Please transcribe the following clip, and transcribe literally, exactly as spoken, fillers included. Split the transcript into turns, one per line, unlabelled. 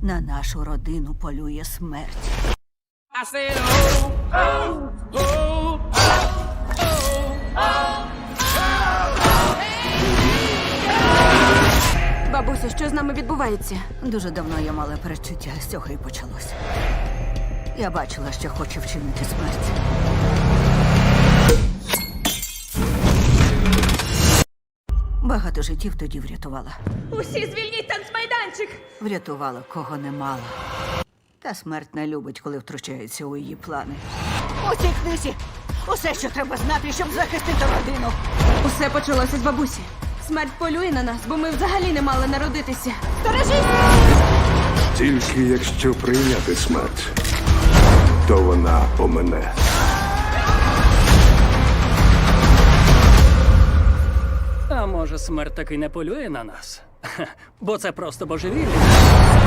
На нашу родину полює смерть.
I said, oh, oh, oh,
Бабусю, що з нами відбувається?
Дуже давно я мала передчуття, з цього і почалося. Я бачила, що хоче вчинити смерть. Багато життів тоді врятувала.
Усі звільніть танцмайданчик!
Врятувала, кого не мала. Та смерть не любить, коли втручається у її плани. У цій книзі усе, що треба знати, щоб захистити родину.
Усе почалося з бабусі. Смерть полює на нас, бо ми взагалі не мали народитися.
Тільки якщо прийняти смерть, то вона помине.
А може, смерть таки не полює на нас? Бо це просто божевілля.